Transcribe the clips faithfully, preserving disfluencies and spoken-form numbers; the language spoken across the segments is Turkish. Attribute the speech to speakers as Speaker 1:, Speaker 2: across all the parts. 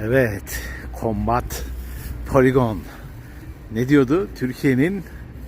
Speaker 1: Evet, Combat Poligon. Ne diyordu? Türkiye'nin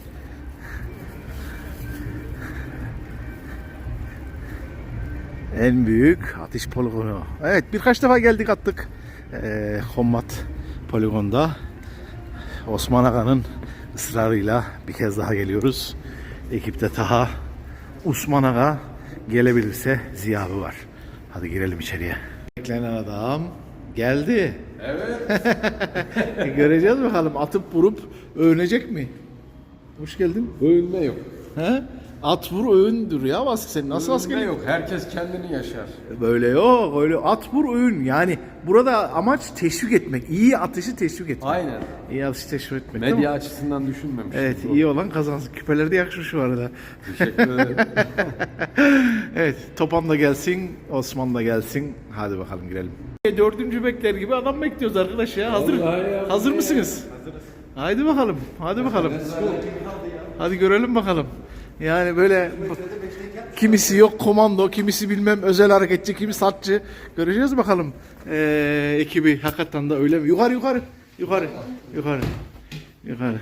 Speaker 1: en büyük atış poligonu. Evet, birkaç defa geldik attık. Ee, Combat Poligon'da Osman Aga'nın ısrarıyla bir kez daha geliyoruz. Ekipte Taha, Osman Aga, gelebilirse Ziya abi var. Hadi girelim içeriye. Beklenen adam geldi.
Speaker 2: Evet.
Speaker 1: Göreceğiz bakalım, atıp vurup övünecek mi? Hoş geldin.
Speaker 2: Övünme yok.
Speaker 1: He? At vur övündür ya Vasfi, sen nasıl
Speaker 2: Övünme
Speaker 1: askerlik?
Speaker 2: yok. Herkes kendini yaşar.
Speaker 1: Böyle yok, öyle at vur övün. Yani burada amaç teşvik etmek. İyi atışı teşvik etmek.
Speaker 2: Aynen.
Speaker 1: İyi atışı teşvik etmek. değil mi?
Speaker 2: Medya açısından düşünmemiş.
Speaker 1: Evet, iyi olan kazansın. Küpeleri de yakışır şu arada.
Speaker 2: Teşekkür ederim.
Speaker 1: Evet, Topan da gelsin, Osman da gelsin. Hadi bakalım girelim. Dördüncü bekler gibi adam bekliyoruz arkadaş ya. Hazır
Speaker 2: ya.
Speaker 1: hazır mısınız? Hazırız. Haydi bakalım. Hadi bakalım. Hadi görelim bakalım. Yani böyle kimisi yok komando, kimisi bilmem özel hareketçi, kimisi satçı. Göreceğiz bakalım. Ee, ekibi hakikaten de öyle mi? Yukarı yukarı. Yukarı. Yukarı. Yukarı.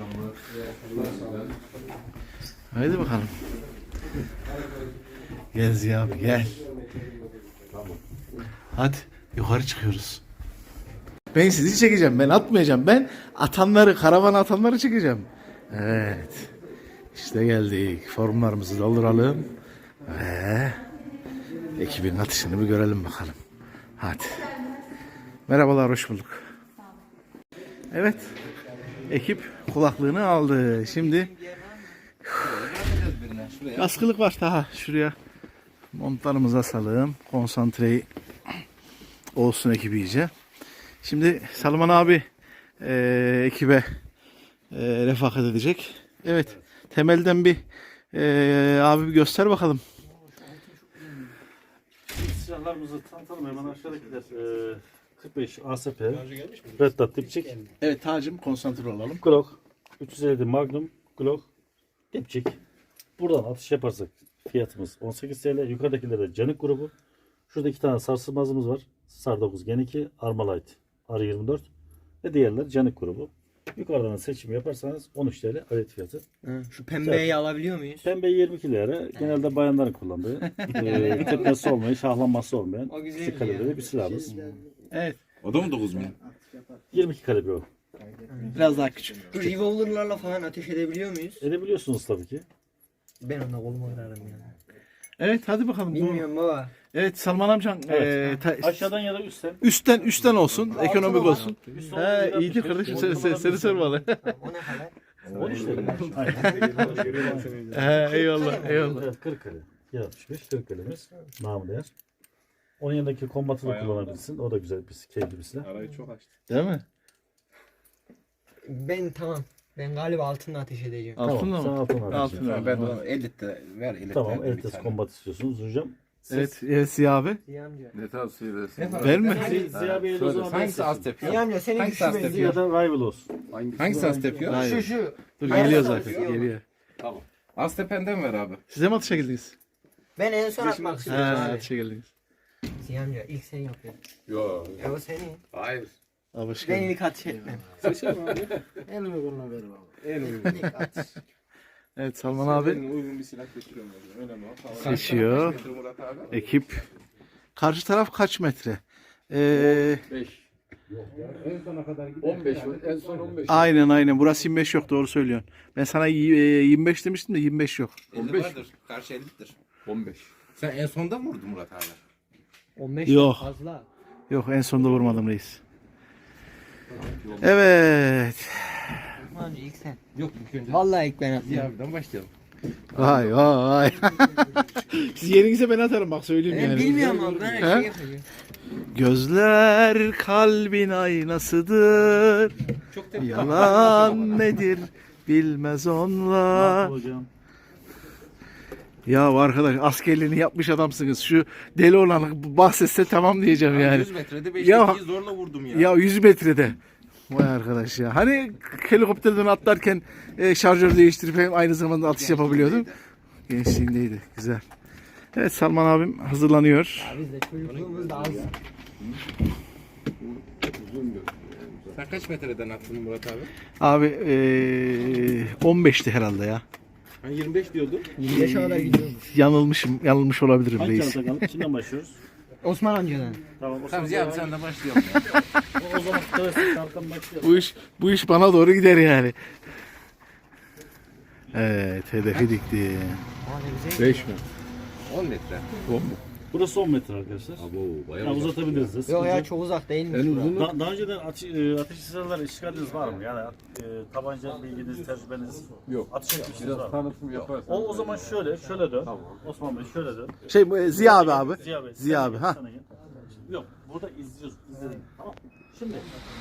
Speaker 1: Haydi bakalım. Gel Ziya abi gel. Hadi yukarı çıkıyoruz. Ben sizi çekeceğim. Ben atmayacağım. Ben atanları, karavana atanları çekeceğim. Evet. İşte geldik. Formlarımızı dolduralım. Ve ekibin atışını bir görelim bakalım. Hadi. Merhabalar, hoş bulduk. Evet. Ekip kulaklığını aldı. Şimdi askılık var daha. Şuraya montlarımızı asalım. Konsantreyi olsun ekibi iyice. Şimdi Salman abi e, ekibe e, refakat edecek. Evet. Temelden bir e, abi bir göster bakalım.
Speaker 3: Silahlarımızı tanıtalım hemen aşağıdakiler. Ee, kırk beş A S P, Red Dot dipçik,
Speaker 1: Evet Tacım, konsantre olalım.
Speaker 3: Glock, üç yüz elli Magnum, Glock, dipçik. Buradan atış yaparsak fiyatımız on sekiz TL. Yukarıdakilerde Canik grubu. Şurada iki tane sarsılmazımız var. Sar dokuz Gen iki, Armalite R yirmi dört ve diğerler Canik grubu. Yukarıdan seçim yaparsanız on üç TL adet fiyatı.
Speaker 4: Hı, şu pembeyi alabiliyor muyuz?
Speaker 3: Pembe yirmi iki lira. Genelde bayanların kullandığı. e, tepmesi olmayan, şahlanması olmayan
Speaker 4: O güzel
Speaker 3: küçük
Speaker 4: ya.
Speaker 3: kalibreli bir silahımız.
Speaker 1: Evet.
Speaker 5: O da mı dokuz bin?
Speaker 3: yirmi iki kalibre o.
Speaker 1: Biraz daha küçük.
Speaker 4: Bu revolverlarla falan ateş edebiliyor muyuz?
Speaker 3: Edebiliyorsunuz tabii ki.
Speaker 4: Ben onda kolumu kırarım yani.
Speaker 1: Evet hadi bakalım.
Speaker 4: Bilmiyorum baba.
Speaker 1: Evet Salman amcan.
Speaker 3: Evet.
Speaker 1: e, ta-
Speaker 3: Aşağıdan ya da üstten.
Speaker 1: üstten üstten olsun. Ekonomik
Speaker 4: var.
Speaker 1: olsun. He iyidir kardeşim, seni, seni, seni sormalı.
Speaker 4: O ne kadar?
Speaker 3: on üç lira.
Speaker 1: He eyvallah eyvallah.
Speaker 3: Evet, kırk kare. altmış beş kırk kalemiz. Namı değer. Onun yanındaki kombatı da kullanabilirsin. O da güzel bir keyifli bir silah.
Speaker 5: Arayı çok açtı.
Speaker 1: Değil mi?
Speaker 4: Ben tamam. Ben galiba altınla ateş edeceğim.
Speaker 1: Altınla
Speaker 3: Sen
Speaker 1: mı?
Speaker 3: altın al.
Speaker 1: Altınla.
Speaker 5: Ha, ben de ona elitte ver elitte.
Speaker 3: Tamam,
Speaker 5: ver bir
Speaker 3: elites
Speaker 5: tane.
Speaker 3: kombat istiyorsunuz hocam.
Speaker 1: Evet, evet Ziya abi.
Speaker 4: Ziya amca.
Speaker 5: Ne tavsiye edersin?
Speaker 1: Ben mi?
Speaker 3: Ziya Bey'e de o
Speaker 5: Söyle,
Speaker 3: zaman ben
Speaker 5: hangisi az
Speaker 3: seçeyim.
Speaker 5: tepiyor?
Speaker 4: Ziya amca senin
Speaker 5: Hangisi
Speaker 4: şu
Speaker 5: az
Speaker 4: benziyor.
Speaker 5: tepiyor?
Speaker 3: Ya da rival olsun.
Speaker 5: Hangisi az tepiyor?
Speaker 1: Hayır.
Speaker 4: Şu şu.
Speaker 1: Dur
Speaker 4: Hayır,
Speaker 1: geliyor
Speaker 4: hayır,
Speaker 1: zaten.
Speaker 4: hayır.
Speaker 1: Geliyor.
Speaker 5: Tamam. Az tependen ver abi.
Speaker 1: Size mi atışa geldiniz?
Speaker 4: Ben en son atmak
Speaker 1: He
Speaker 4: istiyorum abi.
Speaker 1: atışa geldiniz.
Speaker 4: Ziya amca ilk sen yapıyorsun.
Speaker 5: Yok.
Speaker 4: E o senin.
Speaker 5: Hayır.
Speaker 1: Abi hoş
Speaker 4: Ben
Speaker 1: geldin.
Speaker 4: ilk atış etmem.
Speaker 5: En uygun.
Speaker 4: İlk atış.
Speaker 1: Evet Salman abi
Speaker 5: En uygun bir silah seçiyorum. Önemli o.
Speaker 1: seçiyor.
Speaker 5: Kaç metre Murat abi?
Speaker 1: Ekip. Karşı taraf kaç metre? Ee,
Speaker 5: beş. En sona kadar gidelim. on beş. En son on beş.
Speaker 1: aynen aynen. Burası yirmi beş yok, doğru söylüyorsun. Ben sana y- e, yirmi beş demiştim de yirmi beş yok.
Speaker 5: on beş. Karşı ellidir. on beş. Sen en sonda mı vurdun Murat abi?
Speaker 4: on beş
Speaker 1: Yok.
Speaker 4: fazla.
Speaker 1: Yok, en sonunda vurmadım reis. Evet.
Speaker 4: Amca ilk sen.
Speaker 5: Yok ilk önce.
Speaker 4: Vallahi ilk ben
Speaker 5: Ziya
Speaker 4: atıyorum.
Speaker 5: abiden başlayalım.
Speaker 1: Vay vay vay. Siz yerinize ben atarım bak, söyleyeyim
Speaker 4: Ben
Speaker 1: yani.
Speaker 4: bilmiyorum abi ben her
Speaker 1: He?
Speaker 4: şeyi yapıyorum.
Speaker 1: Gözler kalbin aynasıdır.
Speaker 5: Çok tepiyor.
Speaker 1: Yalan nedir bilmez onlar.
Speaker 3: Hocam.
Speaker 1: Ya arkadaş, askerliğini yapmış adamsınız. Şu deli olanı bahsetse tamam diyeceğim yani.
Speaker 5: yüz metrede beş
Speaker 1: Ya-
Speaker 5: tepiyi zorla vurdum ya.
Speaker 1: Ya yüz metrede. Vay arkadaş ya. Hani helikopterden atlarken e, şarjör değiştirip hem aynı zamanda atış yapabiliyordun. Gençliğindeydi. Güzel. Evet Salman abim hazırlanıyor.
Speaker 4: Biz de çocukluğumuzda az.
Speaker 5: Sen kaç metreden attın Murat abi?
Speaker 1: Abi eee on beşti herhalde ya.
Speaker 5: Ben yirmi beş diyordum.
Speaker 4: yirmi beşe kadar gidiyormuş.
Speaker 1: Yanılmışım, yanılmış olabilirim
Speaker 3: Hangi
Speaker 1: reis.
Speaker 3: çanta kaldı? Kimden başlıyoruz?
Speaker 4: Osman amcadan.
Speaker 3: Tamam o
Speaker 5: Tamam
Speaker 3: zaman,
Speaker 5: Ziya abi sen de başlayalım ya.
Speaker 3: o, o zaman klasik çantadan başlayalım.
Speaker 1: Bu iş bu iş bana doğru gider yani. Evet, hedefi dikti.
Speaker 4: Aa ne güzel.
Speaker 2: beş mi?
Speaker 5: on metre.
Speaker 2: on mu?
Speaker 3: Burası on metre arkadaşlar.
Speaker 5: Abo bayağı
Speaker 3: Ya
Speaker 5: uzak.
Speaker 3: uzatabiliriz de.
Speaker 4: Yok
Speaker 3: sıkıntı
Speaker 4: ya
Speaker 3: yok.
Speaker 4: çok uzak değilmiş.
Speaker 2: En
Speaker 4: bura.
Speaker 2: uzun
Speaker 3: Da, daha önceden ate, e, ateş silahları işgaliniz var mı? Yani e, tabanca bilginiz, tecrübeniz,
Speaker 2: yok.
Speaker 3: atış etmişsiniz var
Speaker 2: Biraz
Speaker 3: mı?
Speaker 2: tanıtım yaparsan.
Speaker 3: O, o zaman şöyle, şöyle dön.
Speaker 2: Tamam.
Speaker 3: Osman Bey şöyle dön.
Speaker 1: Şey bu, e, Ziya abi abi.
Speaker 3: Ziya Bey.
Speaker 1: Ziya
Speaker 3: sen
Speaker 1: abi
Speaker 3: gel,
Speaker 1: ha.
Speaker 3: sana gel. Yok, burada izliyoruz, izledim. Tamam. Şimdi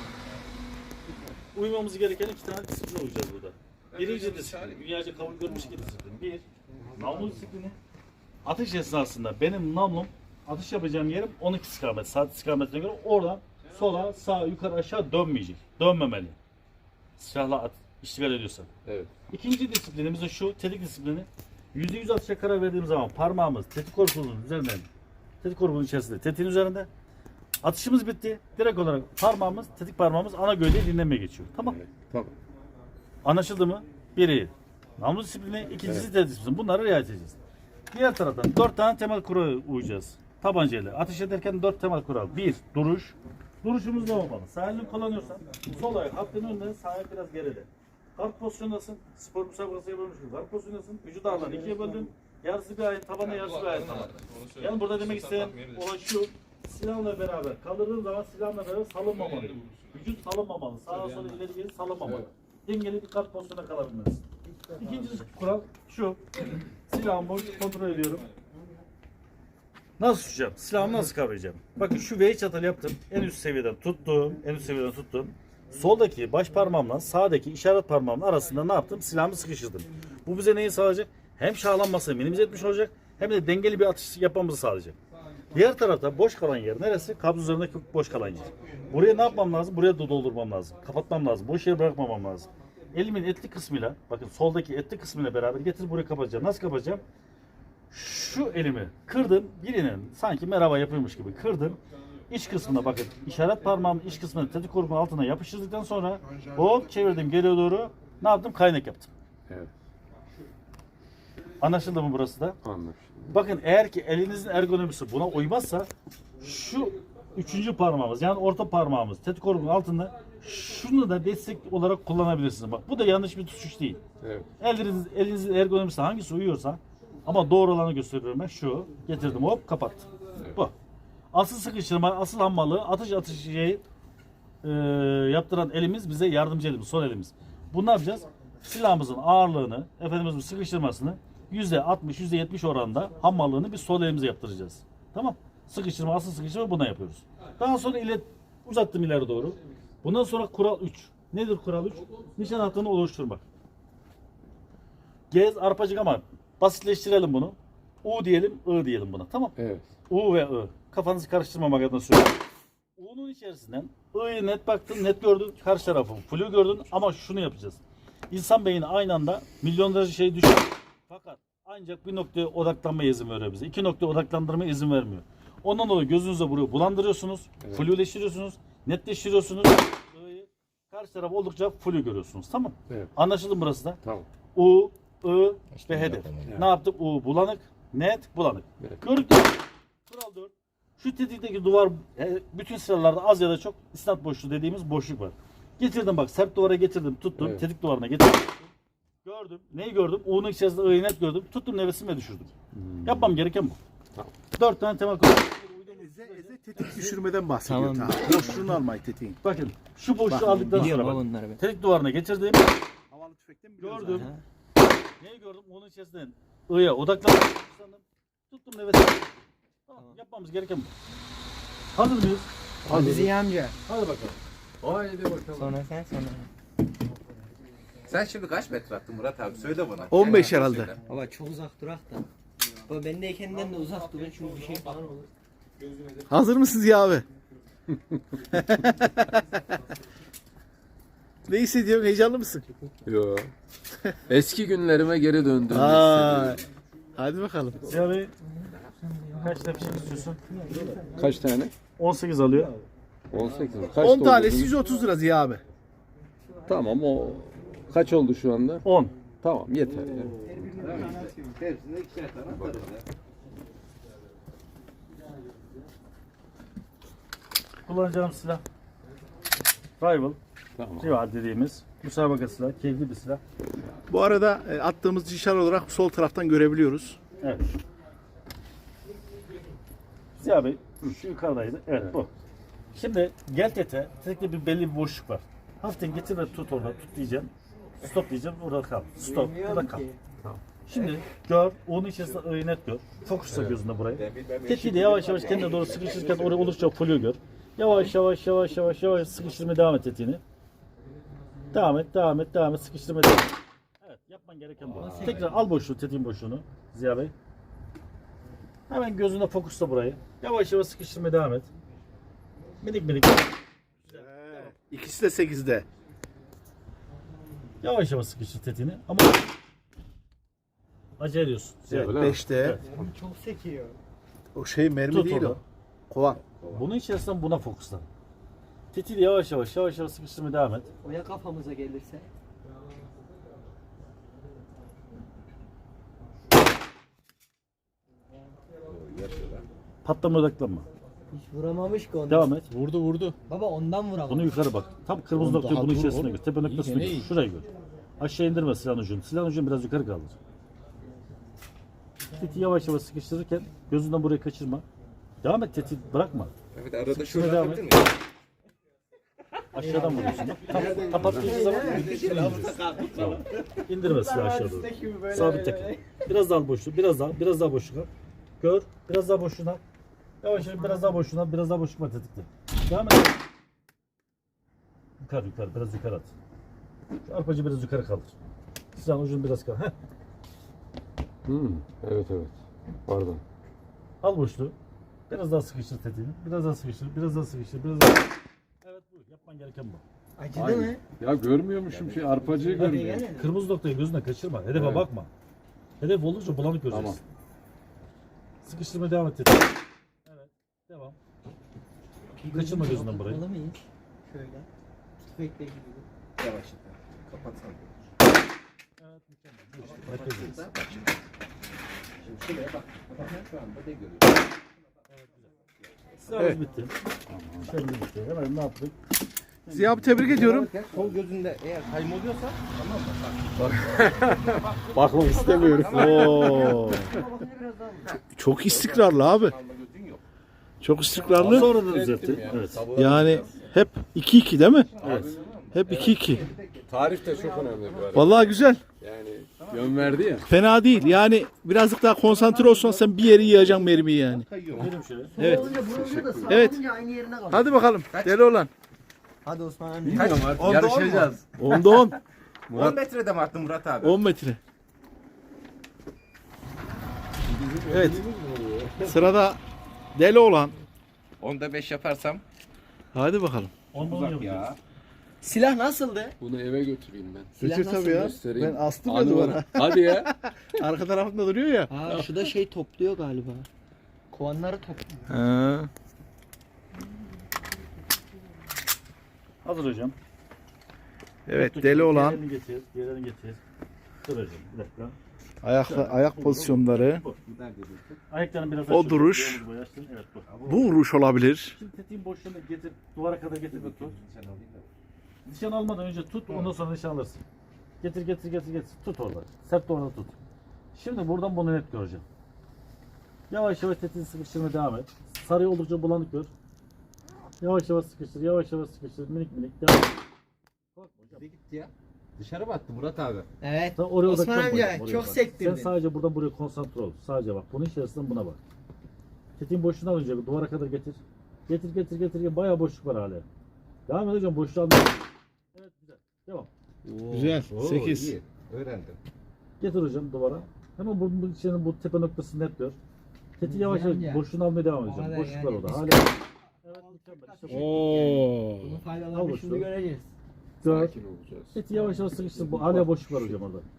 Speaker 3: uymamız gereken iki tane disiplin uyacağız burada. Birinci disiplin, dünyaca kabul görmüş iki disiplin. Bir, namlu disiplini. Atış esnasında benim namlum, atış yapacağım yerim on iki istikamet, saat istikametine göre oradan sola, sağa, yukarı, aşağı dönmeyecek. Dönmemeli. Silahla at, iştigal ediyorsan.
Speaker 2: Evet.
Speaker 3: İkinci disiplinimiz de şu, tetik disiplini. yüzde yüz atışa karar verdiğimiz zaman parmağımız tetik korpusunun üzerinden, tetik korpusunun içerisinde, tetiğin üzerinde. Atışımız bitti. Direkt olarak parmağımız, tetik parmağımız ana gövdeyi dinlemeye geçiyor. Tamam.
Speaker 2: Tamam.
Speaker 3: Anlaşıldı mı? Biri namlu disiplini, ikincisi tetik disiplini. Bunları riayet edeceğiz. Diğer taraftan dört tane temel kurala uyacağız. Tabancayla ateş ederken dört temel kural. Bir, duruş. Duruşumuz ne olmalı? Sağ elini kullanıyorsan sol ayak hattın önünde, sağ ayak biraz geride. Kalk pozisyondasın. Spor müsabakası yapılmış gibi. Kalk pozisyondasın. Vücut ağırlığını ikiye böldün. Yarısı bir ayet tabana, yarısı bir ayet tabana. Yani burada demek isteyen olay şu. Silahla beraber kaldırdığın zaman silahla beraber salınmamalı. Vücut salınmamalı. Sağa sola ileri geri salınmamalı. Dengeli bir kalk pozisyonda kalabilmelisin. İkinci kural şu. Silahımı boş kontrol ediyorum. Nasıl tutacağım? Silahımı nasıl kavrayacağım? Bakın şu V çatal yaptım. En üst seviyeden tuttum. En üst seviyeden tuttum. Soldaki baş parmağımla sağdaki işaret parmağımın arasında ne yaptım? Silahımı sıkıştırdım. Bu bize neyi sağlayacak? Hem şahlanmasını minimize etmiş olacak hem de dengeli bir atış yapmamızı sağlayacak. Diğer tarafta boş kalan yer neresi? Kabz üzerindeki boş kalan yer. Buraya ne yapmam lazım? Buraya da doldurmam lazım. Kapatmam lazım. Boş yer bırakmamam lazım. Elimin etli kısmıyla, bakın soldaki etli kısmıyla beraber getir buraya kapatacağım. Nasıl kapatacağım? Şu elimi kırdım, birinin sanki merhaba yapıyormuş gibi kırdım. İç kısmına bakın, işaret parmağımın iç kısmını tetik korumun altına yapıştırdıktan sonra hop çevirdim geriye doğru. Ne yaptım? Kaynak yaptım.
Speaker 2: Evet.
Speaker 3: Anlaşıldı mı burası da?
Speaker 2: Anlaşıldı.
Speaker 3: Bakın eğer ki elinizin ergonomisi buna uymazsa şu üçüncü parmağımız yani orta parmağımız tetik korumun altında şunu da destek olarak kullanabilirsiniz. Bak bu da yanlış bir tutuş değil.
Speaker 2: Evet.
Speaker 3: Eliniz, elinizin ergonomisi hangisi uyuyorsa ama doğru olanı gösteriyorum ben. Şu getirdim hop kapattım.
Speaker 2: Evet.
Speaker 3: Bu. Asıl sıkıştırma, asıl hammalığı atış atış şeyi e, yaptıran elimiz bize yardımcı elimiz, sol elimiz. Bunu ne yapacağız? Silahımızın ağırlığını, efendimizin sıkıştırmasını yüzde altmış, yüzde yetmiş oranında hammallığını biz sol elimize yaptıracağız. Tamam. Sıkıştırma, asıl sıkıştırma buna yapıyoruz. Daha sonra ileri, uzattım ileri doğru. Bundan sonra kural üç. Nedir kural üç? Nişan hattını oluşturmak. Gez arpacık ama basitleştirelim bunu. U diyelim, I diyelim buna. Tamam.
Speaker 2: Evet.
Speaker 3: U ve I. Kafanızı karıştırmamak adına söylüyorum. U'nun içerisinden I'yı net baktın, net gördün. Karşı tarafı flu gördün ama şunu yapacağız. İnsan beyni aynı anda milyonlarca şey düşünüyor. Fakat ancak bir noktaya odaklanmaya izin veriyor bize. İki noktaya odaklandırmaya izin vermiyor. Ondan dolayı gözünüze burayı bulandırıyorsunuz. Evet. Fluleştiriyorsunuz. Netleştiriyorsunuz. I'yı karşı taraf oldukça flu görüyorsunuz. Tamam.
Speaker 2: Evet.
Speaker 3: Anlaşıldı mı burası da?
Speaker 2: Tamam.
Speaker 3: U, I ve hedef.
Speaker 2: Evet.
Speaker 3: Ne yaptık? U bulanık, net bulanık.
Speaker 2: Evet.
Speaker 3: Gördük mü? Kural dört. Şu tetikteki duvar e, bütün sıralarda az ya da çok isnat boşluğu dediğimiz boşluk var. Getirdim bak sert duvara getirdim tuttum.
Speaker 2: Evet.
Speaker 3: Tetik duvarına getirdim. Gördüm. Neyi gördüm? U'nun içerisinde I'yi net gördüm. Tuttum nefesimi ve düşürdüm.
Speaker 2: Hmm.
Speaker 3: Yapmam gereken bu.
Speaker 2: Tamam.
Speaker 3: Dört tane temel kural.
Speaker 1: Eze, eze tetik düşürmeden bahsediyor.
Speaker 4: Tamam.
Speaker 1: Ta. Boşluğunu almayı tetiğin.
Speaker 3: Bakın şu boşluğu
Speaker 1: Bak,
Speaker 3: aldıktan
Speaker 4: Biliyorum
Speaker 3: sonra
Speaker 4: ha
Speaker 3: bak.
Speaker 4: bunları ben.
Speaker 3: Tetik duvarına getirdim.
Speaker 1: Havalı tüfekten biliyoruz
Speaker 3: Gördüm.
Speaker 1: zaten.
Speaker 3: Neyi gördüm? Onun içerisinden I'ya odaklandım. Tuttum nefesimi. Tamam. Yapmamız gereken bu. Hazır mıyız?
Speaker 4: Hadi Ziya amca.
Speaker 3: Hadi bakalım.
Speaker 2: Haydi bakalım.
Speaker 4: Sonra sen sonra.
Speaker 5: Sen şimdi kaç metre attın Murat abi? Söyle bana.
Speaker 1: on beş
Speaker 5: Kendin
Speaker 1: herhalde.
Speaker 5: söyle.
Speaker 4: Baba çok uzak durak da. Baba bendeyken de uzak durun çünkü bir şey falan olur.
Speaker 1: Hazır mısınız ya abi? Ne hissediyorsun? Heyecanlı mısın?
Speaker 2: Yo. Eski günlerime geri döndüm.
Speaker 1: Aa, hadi bakalım.
Speaker 3: Ziya Bey kaç tepsi istiyorsun?
Speaker 2: Kaç tane?
Speaker 3: on sekiz alıyor.
Speaker 2: on sekiz mi? Kaç
Speaker 1: on
Speaker 2: oldu
Speaker 1: tanesi
Speaker 2: bu?
Speaker 1: yüz otuz lira Ziya abi.
Speaker 2: Tamam o kaç oldu şu anda?
Speaker 3: on.
Speaker 2: Tamam yeter ya.
Speaker 5: Hepsinde ikişer tane atarız ya.
Speaker 3: Kullanacağım silah. Rival.
Speaker 2: Tamam.
Speaker 3: Rival dediğimiz müsabaka silahı. Keyifli bir silah.
Speaker 1: Bu arada e, attığımız nişan olarak sol taraftan görebiliyoruz.
Speaker 3: Evet. Ziya Bey şu yukarıdaydı. Evet, bu. Şimdi gel tete. Tetekte bir belli bir boşluk var. Hafiften getir ve tut orada. Tut diyeceğim. Stop diyeceğim. Orada kal. Stop. Burada kal. Şimdi gör. Onun içerisinde ıı net gör. Fokusla gözünde burayı. Tetiğiyle yavaş yavaş kendine doğru sıkışırken oraya olursa folyo gör. Yavaş yavaş yavaş yavaş yavaş sıkıştırmaya devam et tetiğini. Devam et, devam et, devam et. Sıkıştırmaya devam et. Evet, yapman gereken bu. Tekrar al boşluğu, tetiğin boşluğunu Ziya Bey. Hemen gözüne fokusla burayı. Yavaş yavaş sıkıştırmaya devam et. Minik minik.
Speaker 1: İkisi de sekizde.
Speaker 3: Yavaş yavaş sıkıştır tetiğini ama acele ediyorsun. Ziya Bey.
Speaker 2: Öyle mi?
Speaker 1: beşte.
Speaker 3: Evet.
Speaker 4: Çok sekiyor.
Speaker 1: O şey mermi
Speaker 3: Tut
Speaker 1: değil
Speaker 3: onu.
Speaker 1: o. Kovan.
Speaker 3: Bunun içerisinden buna fokuslan. Tetiği yavaş yavaş yavaş yavaş sıkıştırmaya devam et.
Speaker 4: O ya kafamıza gelirse.
Speaker 3: Patlama odaklanma.
Speaker 4: Hiç vuramamış ki onu.
Speaker 3: Devam et.
Speaker 1: Vurdu vurdu.
Speaker 4: Baba ondan vuramamış.
Speaker 3: Bunu yukarı bak. Tam kırmızı
Speaker 1: Oğlum
Speaker 3: noktayı
Speaker 1: daha
Speaker 3: bunun
Speaker 1: dur
Speaker 3: içerisine
Speaker 1: oğlum.
Speaker 3: gör. Tepe noktasını
Speaker 1: İyi,
Speaker 3: gör.
Speaker 1: iyi.
Speaker 3: Şurayı gör. Aşağı indirme silahın ucunu. Silahın ucunu biraz yukarı kaldır. Tetiği yavaş yavaş sıkıştırırken gözünden burayı kaçırma. Devam et, tetiği bırakma.
Speaker 5: Evet arada
Speaker 3: Şuna
Speaker 5: şöyle
Speaker 3: devam
Speaker 5: atabilir
Speaker 3: et.
Speaker 5: miyim?
Speaker 3: Aşağıdan vuruyorsun. Bak. Tam kapattığın zaman tamam. İndirme silahı aşağı doğru. Sabit tekrar. Biraz daha al boşluğu. Biraz daha. Biraz daha boşluk al. Gör. Biraz daha boşluğuna. Yavaş yavaş biraz daha boşluğuna. Biraz daha boşluk var tetikte. Devam et. Yukarı yukarı. Biraz yukarı at. Şu arpacı biraz yukarı kaldır. Silahın ucunu biraz kaldır. Heh.
Speaker 2: Hmm, evet evet. Pardon.
Speaker 3: Al boşluğu. Biraz daha sıkıştır tetiğini. Biraz daha sıkıştır. Biraz daha sıkıştır. Biraz daha. Evet bu. Yapman gereken bu.
Speaker 4: Acıdı
Speaker 2: Aynen.
Speaker 4: mı?
Speaker 2: Ya görmüyormuşum şey arpacıyı
Speaker 4: Hadi
Speaker 2: görmüyorum.
Speaker 4: gene.
Speaker 3: Kırmızı noktayı gözüne kaçırma. Hedefe
Speaker 2: Evet.
Speaker 3: bakma. Hedef olunca bulanık göreceksin.
Speaker 2: Tamam.
Speaker 3: Sıkıştırmaya devam et. tetiği. Evet. Devam. Kaçırma gözünden burayı.
Speaker 4: Tutmalı mıyız? Şöyle. Tüfekle gibi.
Speaker 5: Yavaş. Kapatsana.
Speaker 3: Evet mükemmel. Bu işte. Merkezdeyiz.
Speaker 5: Şimdi şuraya bak. Bak şu anda ne görüyorsun?
Speaker 3: Sıramız
Speaker 1: Evet.
Speaker 3: bitti. Şöyle bitti. Hemen ne yaptık?
Speaker 1: Ziya abi tebrik ediyorum.
Speaker 5: Sol gözünde eğer kaymoluyorsa tamam mı? Bak.
Speaker 2: Bakmak istemiyorum.
Speaker 1: Oo. Çok istikrarlı abi.
Speaker 5: Kalma gözün yok.
Speaker 1: Çok istikrarlı.
Speaker 3: Sonra da düzeltti. Evet.
Speaker 1: Yani hep iki iki değil mi?
Speaker 3: Evet.
Speaker 1: Hep iki iki.
Speaker 2: Tarif de çok önemli bu arada.
Speaker 1: Vallahi güzel.
Speaker 2: Yani yön verdi ya.
Speaker 1: Fena değil. Yani birazcık daha konsantre olsan sen bir yeri yiyeceksin mermiyi yani.
Speaker 3: Gidelim şöyle.
Speaker 1: Evet.
Speaker 4: Olunca vurunca da sağ
Speaker 1: Evet.
Speaker 4: olunca aynı yerine kalıyor.
Speaker 1: Hadi bakalım. Deli olan.
Speaker 4: Hadi Osman amca.
Speaker 2: Bilmiyorum artık
Speaker 5: Onda
Speaker 2: yarışacağız.
Speaker 1: Onda on.
Speaker 5: on metrede mi attın Murat abi?
Speaker 1: on metre. Evet. Sırada deli olan.
Speaker 5: Onda beş yaparsam
Speaker 1: Hadi bakalım.
Speaker 3: Ondan
Speaker 5: uzak
Speaker 3: yapacağız.
Speaker 5: ya.
Speaker 4: Silah nasıldı?
Speaker 2: Bunu eve götüreyim ben.
Speaker 4: Silah
Speaker 1: Götür tabii
Speaker 4: nasıldı?
Speaker 1: ya.
Speaker 2: Göstereyim.
Speaker 1: Ben astım ya
Speaker 2: Anı
Speaker 1: duvara.
Speaker 2: var. Hadi ya.
Speaker 1: Arka tarafında duruyor ya.
Speaker 4: Ha şu da şey topluyor galiba. Kovanları topluyor.
Speaker 1: Ha.
Speaker 3: Hazır hocam.
Speaker 1: Evet deli olan
Speaker 3: Diğerini getir. Diğerini getir. Dur hocam. Bir dakika.
Speaker 1: ayak ayak pozisyonları.
Speaker 3: Bu. Ayaklarını biraz
Speaker 1: O
Speaker 3: açın.
Speaker 1: duruş.
Speaker 3: Bir omuz boyu açtın. Evet bu.
Speaker 1: Bu vuruş olabilir.
Speaker 3: Şimdi tetiğin boşluğunu getir. Duvara kadar getir ve tut. Nişan almadan önce tut. Ondan sonra nişan alırsın. Getir getir getir getir. Tut orada. Sert de orada tut. Şimdi buradan bunu net göreceğim. Yavaş yavaş tetiği sıkıştırmaya devam et. Sarıyı oldukça bulanık gör. Yavaş yavaş sıkıştır. Yavaş yavaş sıkıştır. Minik minik. Devam et. Korkma hocam.
Speaker 5: Gitti ya. Dışarı mı attı Murat abi?
Speaker 4: Evet.
Speaker 3: Sen oraya
Speaker 4: Osman
Speaker 3: odaklan
Speaker 4: amca
Speaker 3: buraya, oraya
Speaker 4: çok
Speaker 3: bak.
Speaker 4: sektirdin.
Speaker 3: Sen sadece buradan buraya konsantre ol. Sadece bak. Bunun içerisinden buna bak. Tetiğin boşluğunu al önce. Duvara kadar getir. Getir getir getir. Bayağı boşluk var hala. Devam et hocam. Boşluğu al. Evet güzel. Devam.
Speaker 1: Güzel.
Speaker 5: Oo,
Speaker 1: sekiz.
Speaker 5: iyi. Öğrendim.
Speaker 3: Getir hocam duvara. Hemen bu, bu içerinin bu tepe noktasını net gör. Tetiği yavaş yavaş
Speaker 4: Amca.
Speaker 3: boşluğunu almaya devam
Speaker 4: O
Speaker 3: edeceğim.
Speaker 4: kadar
Speaker 3: Boşluk var
Speaker 4: yani
Speaker 3: orada.
Speaker 4: biz-
Speaker 3: Hala. Evet mükemmel. İşte bu.
Speaker 1: Oo.
Speaker 4: Bunun
Speaker 3: Al
Speaker 4: faydalarını
Speaker 3: boşluğu.
Speaker 4: şimdi göreceğiz.
Speaker 3: Gör.
Speaker 2: Sakin olacağız.
Speaker 3: Tetiği yavaş yavaş sıkıştır. Bu hala boşluk var hocam orada.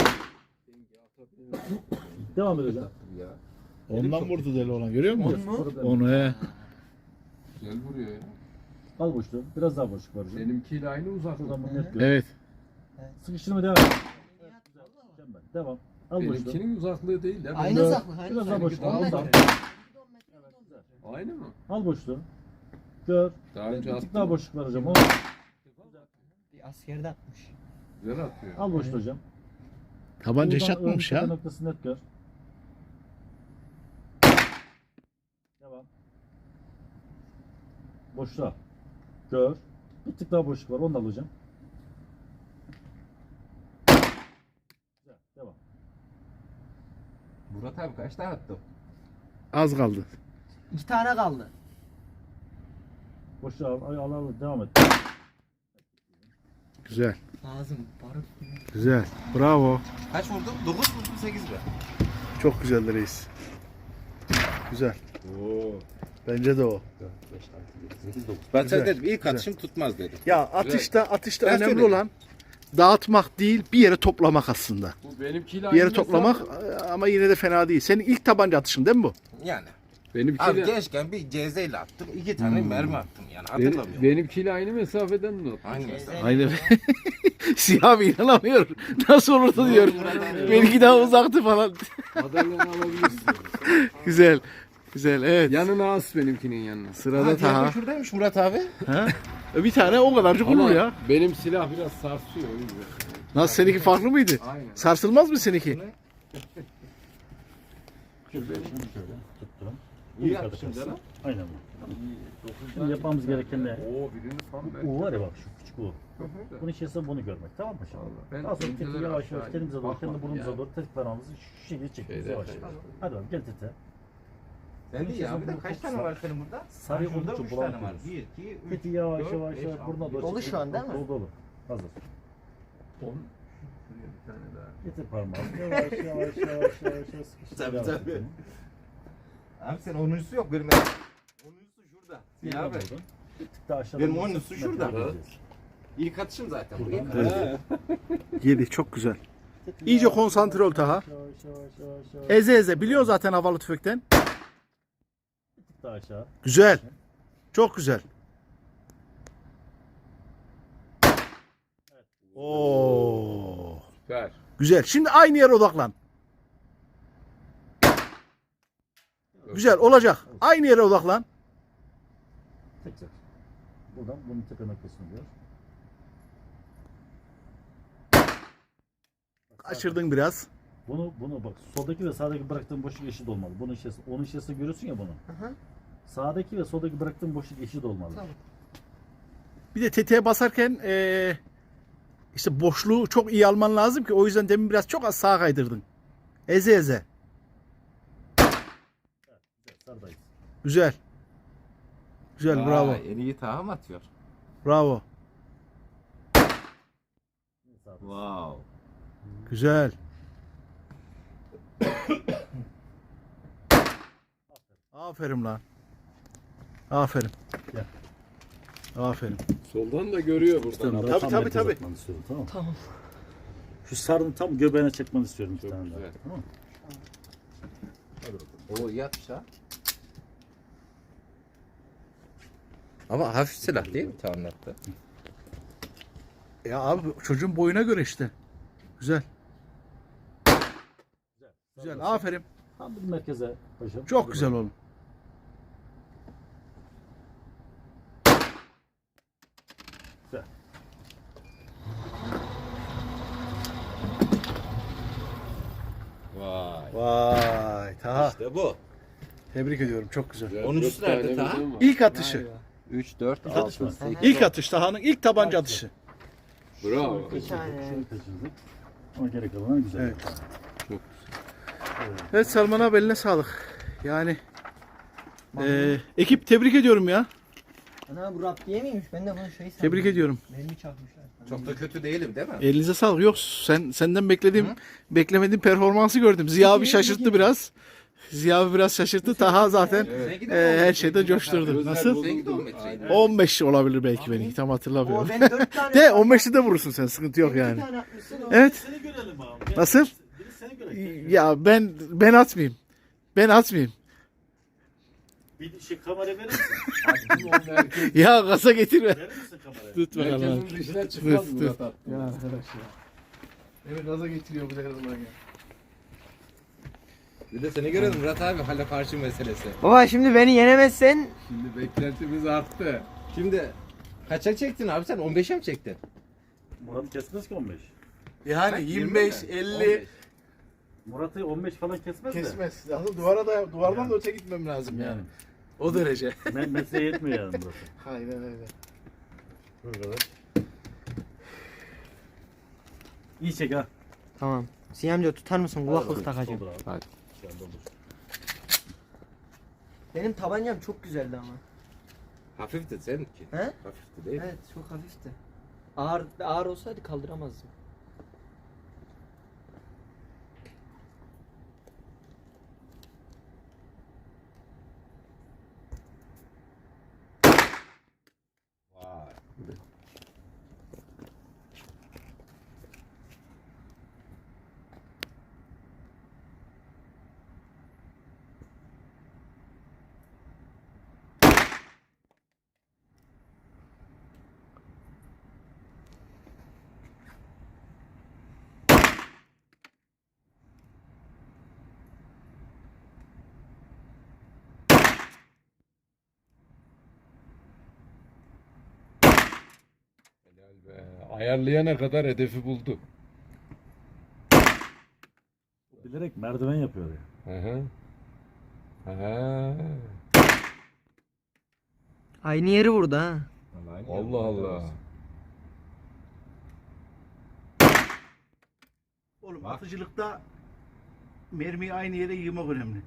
Speaker 3: Devam et hocam.
Speaker 5: Ya.
Speaker 1: Ondan vurdu deli olan görüyor musun?
Speaker 3: Orada-
Speaker 1: Onu he.
Speaker 2: Güzel vuruyor ya.
Speaker 3: Al boşluğu. Biraz daha boşluk var hocam.
Speaker 2: Benimkiyle aynı uzaklık.
Speaker 3: Şuradan bunu net gör.
Speaker 1: Evet.
Speaker 3: Sıkıştırma devam et. Evet, güzel. Mükemmel. Devam. Al boşluğu.
Speaker 2: Benimkinin uzaklığı değil ya.
Speaker 4: Aynı
Speaker 3: Dört.
Speaker 4: uzaklık. Aynı
Speaker 3: Biraz daha
Speaker 4: uzaklık.
Speaker 3: boşluk.
Speaker 2: Daha
Speaker 3: Ondan.
Speaker 2: uzak. Aynı mı?
Speaker 3: Al boşluğu. Gör.
Speaker 2: Daha önce
Speaker 3: Bir tık
Speaker 2: attım.
Speaker 3: daha boşluk var hocam. O.
Speaker 4: Bir askerde atmış.
Speaker 2: Güzel atıyor.
Speaker 3: Al boşluğu hocam.
Speaker 1: Tabanca hiç
Speaker 3: Buradan ön
Speaker 1: atmamış
Speaker 3: tepe
Speaker 1: ya.
Speaker 3: Noktası net gör. Devam. Boşluğa. Gör. Bir tık daha boşluk var. Onu da alacağım. Güzel. Devam.
Speaker 5: Murat abi kaç tane attın?
Speaker 1: Az kaldı.
Speaker 4: İki tane kaldı.
Speaker 3: Boşluğa al. Al al. al. Devam et.
Speaker 1: Güzel.
Speaker 4: Ağzım barut gibi.
Speaker 1: Güzel. Bravo.
Speaker 5: Kaç vurdun? dokuz vurdum sekiz mi?
Speaker 1: Çok güzeldi reis. Güzel.
Speaker 2: Oo.
Speaker 1: Bence de o.
Speaker 5: Ben
Speaker 1: Güzel,
Speaker 5: sana dedim ilk
Speaker 1: güzel.
Speaker 5: atışım tutmaz dedim.
Speaker 1: Ya atışta atışta
Speaker 5: Ben
Speaker 1: önemli
Speaker 5: söyledim.
Speaker 1: olan dağıtmak değil, bir yere toplamak aslında.
Speaker 2: Bu benimkiyle
Speaker 1: Bir yere
Speaker 2: aynı
Speaker 1: toplamak
Speaker 2: mesafe.
Speaker 1: ama yine de fena değil. Senin ilk tabanca atışın değil mi bu?
Speaker 5: Yani. Abi
Speaker 2: Benimkiyle,
Speaker 5: gençken bir cezeyle attım. iki tane mermi attım yani
Speaker 2: benim,
Speaker 5: hatırlamıyorum.
Speaker 2: benimkiyle aynı mesafeden mi attın?
Speaker 5: Aynı mesela.
Speaker 1: Aynen. Siyah bir inanamıyor. Nasıl olurdu diyor. Benimki daha uzaktı falan.
Speaker 2: Madalyonu alabilirsin.
Speaker 1: Güzel. Güzel evet.
Speaker 2: Yanına as benimkinin yanına.
Speaker 1: Sırada
Speaker 5: Ha, diğer
Speaker 1: Taha.
Speaker 5: şuradaymış Murat abi.
Speaker 1: Ha? Bir tane o kadarcık olur
Speaker 2: Ama
Speaker 1: ya.
Speaker 2: benim silah biraz sarsıyor. o yüzden.
Speaker 1: Nasıl seninki farklı mıydı?
Speaker 2: Aynen.
Speaker 1: Sarsılmaz mı seninki?
Speaker 3: Şöyle şöyle tuttum.
Speaker 5: İyi
Speaker 3: İyi
Speaker 5: yapmışsın
Speaker 3: arkadaşlar.
Speaker 5: canım.
Speaker 3: Aynen bu. Şimdi yapmamız gereken ne?
Speaker 2: Oo birini tam ben.
Speaker 3: U var ya bak şu küçük U. Bunun içerisinde bunu görmek. Tamam mı şimdi?
Speaker 2: Ben
Speaker 3: Daha sonra tetiği
Speaker 2: inceleri
Speaker 3: yavaş
Speaker 2: aşağı
Speaker 3: yavaş kendimize doğru,
Speaker 2: bakmadım
Speaker 3: kendi burnumuza
Speaker 2: ya.
Speaker 3: doğru tetik parmağımızı şu şekilde çekiyoruz
Speaker 2: Şeyde
Speaker 3: yavaş
Speaker 2: yapalım.
Speaker 3: yavaş. Hadi bakalım gel tete.
Speaker 5: Sen de ya bir de kaç tane var senin burada?
Speaker 3: Sarı
Speaker 5: Ha, şurada
Speaker 3: olduğu için
Speaker 5: üç tane var.
Speaker 3: bulamıyoruz.
Speaker 5: bir, iki, üç.
Speaker 3: Tetiği yavaş
Speaker 5: dört,
Speaker 3: yavaş
Speaker 5: beş,
Speaker 3: yavaş
Speaker 5: altı,
Speaker 3: burnuna doğru
Speaker 5: yedi.
Speaker 4: Dolu
Speaker 3: çekiyoruz.
Speaker 4: şu an değil mi?
Speaker 3: Dolu dolu. Hazır.
Speaker 2: On. Şuraya bir tane daha.
Speaker 3: Getir parmağı. Yavaş yavaş yavaş yavaş yavaş sıkıştır.
Speaker 5: Tabii,
Speaker 3: Devam
Speaker 5: tabii.
Speaker 3: edelim.
Speaker 5: Abi sen onuncusu yok benim. Onuncusu şurada.
Speaker 3: Bir
Speaker 5: Ya abi.
Speaker 3: daha buradan. Bir tık daha aşağıda.
Speaker 5: Benim
Speaker 3: bir
Speaker 5: oyuncusu
Speaker 3: sık
Speaker 5: şurada.
Speaker 3: metre vereceğiz.
Speaker 5: İlk atışım zaten. bu.
Speaker 3: Buradan.
Speaker 5: İlk
Speaker 3: Evet.
Speaker 1: Yedi çok güzel.
Speaker 3: Tetiği
Speaker 1: İyice
Speaker 3: yavaş,
Speaker 1: konsantre ol
Speaker 3: yavaş,
Speaker 1: Taha.
Speaker 3: Yavaş yavaş yavaş yavaş.
Speaker 1: Eze eze. Biliyor zaten havalı tüfekten.
Speaker 3: Bir tık daha aşağı.
Speaker 1: Güzel. Çok güzel. Oo.
Speaker 2: Süper.
Speaker 1: Güzel. Şimdi aynı yere odaklan. Güzel olacak. Aynı yere odaklan.
Speaker 3: Tekrar. Buradan bunun tepe noktasını diyor.
Speaker 1: Kaçırdın biraz.
Speaker 3: Bunu bunu bak soldaki ve sağdaki bıraktığın boşluk eşit olmalı. Bunun içerisinde, onun içerisinde görüyorsun ya bunu.
Speaker 4: Aha.
Speaker 3: Sağdaki ve soldaki bıraktığın boşluk eşit olmalı.
Speaker 4: Tamam.
Speaker 1: Bir de tetiğe basarken eee, işte boşluğu çok iyi alman lazım ki o yüzden demin biraz çok az sağa kaydırdın. Eze eze.
Speaker 3: Güzel, sardayız.
Speaker 1: Güzel. Güzel bravo.
Speaker 5: En iyi Taha mı atıyor?
Speaker 1: Bravo.
Speaker 3: Sağdayız.
Speaker 5: Wow.
Speaker 1: Güzel. Aferin lan. Aferin.
Speaker 3: Gel.
Speaker 1: Aferin.
Speaker 2: Soldan da görüyor buradan.
Speaker 3: Tabii
Speaker 1: Tabii,
Speaker 3: tabii
Speaker 1: tabii,
Speaker 3: tabii.
Speaker 1: tabii.
Speaker 3: Istiyorum, tamam.
Speaker 4: Tamam.
Speaker 3: Şu sarını tam göbeğine çekmeni istiyorum bir
Speaker 2: Çok
Speaker 3: tane daha.
Speaker 2: güzel.
Speaker 3: Tamam mı? Hadi bakalım.
Speaker 5: Oo iyi atış ha. Ama hafif silah değil mi Taha'nın attığı?
Speaker 1: Ya abi çocuğun boyuna göre işte. Güzel. Güzel. Aferin.
Speaker 3: Tam bir merkeze hocam.
Speaker 1: Çok
Speaker 3: Hadi
Speaker 1: güzel
Speaker 3: bakalım.
Speaker 1: oğlum.
Speaker 3: Güzel.
Speaker 5: Vay.
Speaker 1: Vay Taha.
Speaker 5: İşte bu.
Speaker 1: Tebrik ediyorum. Çok güzel.
Speaker 2: Güzel.
Speaker 5: Onuncusu
Speaker 2: Dört tane
Speaker 5: nerede Taha?
Speaker 2: bizim var.
Speaker 1: İlk atışı.
Speaker 5: üç, dört,
Speaker 3: İlk atış mı?
Speaker 5: altı, sekiz.
Speaker 1: İlk atış. Taha'nın ilk tabanca atışı.
Speaker 2: Bravo.
Speaker 4: Bir tane.
Speaker 3: Şunu kaçırdık. Ama gerek kalan güzel.
Speaker 1: Evet.
Speaker 2: Çok
Speaker 1: Evet Salman abi eline sağlık. Yani eee, ekip tebrik ediyorum ya.
Speaker 4: Ana bu rap diye miymiş? Ben de bunu şey sandım.
Speaker 1: Tebrik ediyorum.
Speaker 4: Mermi çakmışlar.
Speaker 5: Çok da kötü değilim değil mi?
Speaker 1: Elinize sağlık. Yok sen senden beklediğim beklemediğim performansı gördüm. Ziya abi şaşırttı biraz. Ziya abi biraz şaşırttı. Taha zaten
Speaker 5: Seninki de
Speaker 1: eee,
Speaker 5: on
Speaker 1: her
Speaker 5: metre.
Speaker 1: şeyde coşturdu. Nasıl?
Speaker 5: Seninki de on metreydi.
Speaker 1: on beş olabilir belki benimki tam
Speaker 4: O
Speaker 1: hatırlamıyorum.
Speaker 4: ben dört tane.
Speaker 1: De on beşte de vurursun sen sıkıntı yok
Speaker 4: Bir
Speaker 1: yani.
Speaker 4: tane atmışsın.
Speaker 1: Evet.
Speaker 3: Seni görelim abi.
Speaker 1: Nasıl?
Speaker 3: Biri seni görelim.
Speaker 1: Ya ben ben atmayayım. Ben atmayayım.
Speaker 3: Bir şey kamera verir misin?
Speaker 1: Ya kasa getirme.
Speaker 3: Verir misin kamerayı?
Speaker 1: Tut bakalım.
Speaker 2: Herkesin dışına çıkmaz
Speaker 1: Tut,
Speaker 2: Murat
Speaker 1: tut.
Speaker 2: abi.
Speaker 1: Ya arkadaş ya. Beni gaza getiriyor bu her zaman ya.
Speaker 5: Bir de seni görelim Murat abi hala karşı meselesi.
Speaker 4: Baba şimdi beni yenemezsen
Speaker 2: Şimdi beklentimiz arttı.
Speaker 5: Şimdi kaça çektin abi sen? on beşe mi çektin?
Speaker 3: Murat kesmez ki on beş.
Speaker 1: Yani yirmi beş, elli
Speaker 3: Murat'ı on beş falan kesmez de.
Speaker 1: kesmez. Aslında duvara da duvardan da öte gitmem lazım yani.
Speaker 3: Yani.
Speaker 1: O derece.
Speaker 3: Me mesleğe yetmiyor yani Murat'a.
Speaker 1: Aynen öyle.
Speaker 3: Burada. İyi çek ha.
Speaker 4: tamam. Ziya amca tutar mısın? Kulaklık
Speaker 3: Olur,
Speaker 4: takacağım.
Speaker 3: olur abi.
Speaker 2: Hadi.
Speaker 3: Şu anda olur.
Speaker 4: Benim tabancam çok güzeldi ama.
Speaker 5: Hafifti seninki.
Speaker 4: He?
Speaker 5: Hafifti değil.
Speaker 4: Evet çok hafifti. Ağır ağır olsaydı kaldıramazdım.
Speaker 5: Vay.
Speaker 2: Helal be. Ayarlayana kadar hedefi buldu.
Speaker 3: Bilerek merdiven yapıyor ya.
Speaker 2: Hı hı. Aha.
Speaker 4: Aynı yeri vurdu ha.
Speaker 2: Allah Allah.
Speaker 1: Oğlum atıcılıkta mermiyi aynı yere yığmak önemli.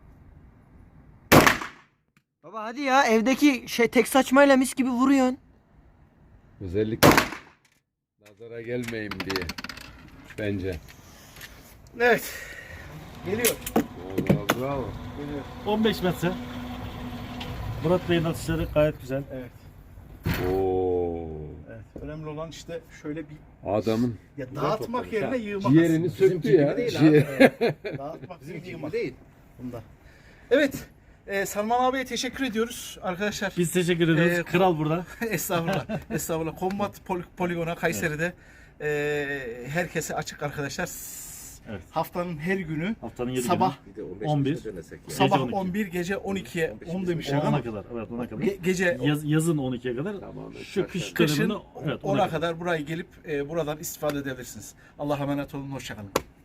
Speaker 4: Baba hadi ya evdeki şey tek saçmayla mis gibi vuruyorsun.
Speaker 2: Özellikle nazara gelmeyeyim diye. Bence.
Speaker 1: Evet. Geliyor.
Speaker 2: Vallahi bravo.
Speaker 3: on beş metre. Murat Bey'in atışları gayet güzel.
Speaker 1: Evet.
Speaker 2: Oo.
Speaker 1: Evet. Önemli olan işte şöyle bir
Speaker 2: Adamın
Speaker 1: ya dağıtmak yerine yığmak.
Speaker 2: ciğerini
Speaker 1: aslında.
Speaker 2: söktü
Speaker 5: gibi
Speaker 2: ya.
Speaker 5: değil
Speaker 2: Ciğer.
Speaker 1: Dağıtmak
Speaker 5: Bizim
Speaker 1: yerine
Speaker 5: gibi
Speaker 1: yığmak.
Speaker 5: değil.
Speaker 1: Bunda. Evet. E, Salman abiye teşekkür ediyoruz arkadaşlar.
Speaker 3: Biz teşekkür ediyoruz.
Speaker 1: Ee,
Speaker 3: Kral burada.
Speaker 1: Estağfurullah. Estağfurullah. Kombat pol- poligona Kayseri'de e, herkese açık arkadaşlar. S-
Speaker 3: Evet.
Speaker 1: Haftanın her günü
Speaker 3: Haftanın yedi
Speaker 1: sabah
Speaker 5: Bir de on beş
Speaker 3: on bir.
Speaker 5: metre dönesek ya.
Speaker 1: sabah
Speaker 3: on iki.
Speaker 1: on bir gece on ikiye
Speaker 5: on beş
Speaker 1: on
Speaker 5: bizim
Speaker 1: demişler
Speaker 3: günü
Speaker 1: ama
Speaker 3: ona kadar. Evet ona kadar.
Speaker 1: ge- gece
Speaker 3: Yaz, yazın on ikiye kadar.
Speaker 2: Tamam,
Speaker 3: Şu kış
Speaker 1: kışın
Speaker 3: döneminde evet, ona
Speaker 1: ona kadar buraya gelip e, buradan istifade edebilirsiniz. Allah'a emanet olun. Hoşçakalın.